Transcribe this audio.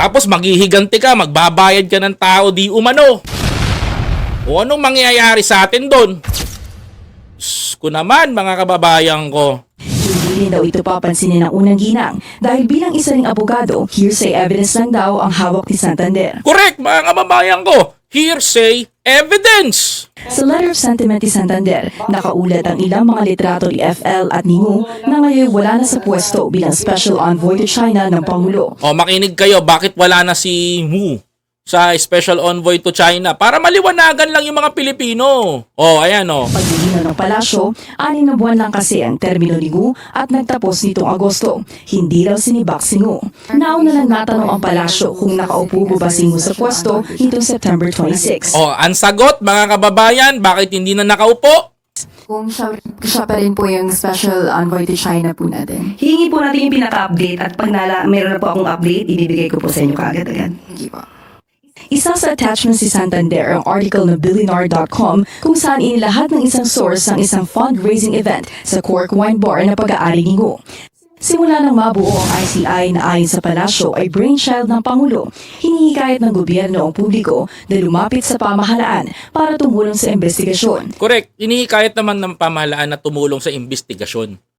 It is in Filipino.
Tapos maghihiganti ka, magbabayad ka ng tao di umano. O anong mangyayari sa atin doon? Ko naman mga kababayan ko. Hindi rin daw ito papansinin ng unang ginang dahil bilang isa ring abogado, hearsay evidence lang daw ang hawak ni Santander. Correct mga kababayan ko. Hearsay evidence. Sa letter of sentiment ni Santander, nakaulat ang ilang mga litrato ni FL at ni Ngu na ngayon wala na sa pwesto bilang Special Envoy to China ng Pangulo. O makinig kayo, bakit wala na si Wu sa Special Envoy to China? Para maliwanagan lang yung mga Pilipino. O ayan o. Paglilinaw ng palasyo, 6 na buwan lang kasi ang termino ni Ngu at nagtapos nitong Agosto. Hindi raw sinibak si Ngu. Nauna lang natanong ang palasyo kung nakaupo ba si Ngu sa pwesto nitong September 26. O ang sagot mga kababayan, bakit hindi na nakaupo? Kung siya pa rin po yung special envoy to China po natin. Hihingi po natin yung pinaka-update at pag meron na po akong update, ibibigay ko po sa inyo kaagad-agad. Hindi po. Isa sa attachment si Santander ang article na Billionaire.com kung saan inilahat ng isang source ang isang fundraising event sa Cork Wine Bar na pag-aari ni Ngu. Simula nang mabuo ang ICI na ayon sa palasyo ay brainchild ng Pangulo, hinihikayat ng gobyerno ang publiko na lumapit sa pamahalaan para tumulong sa investigasyon. Correct. Hinihikayat naman ng pamahalaan na tumulong sa investigasyon.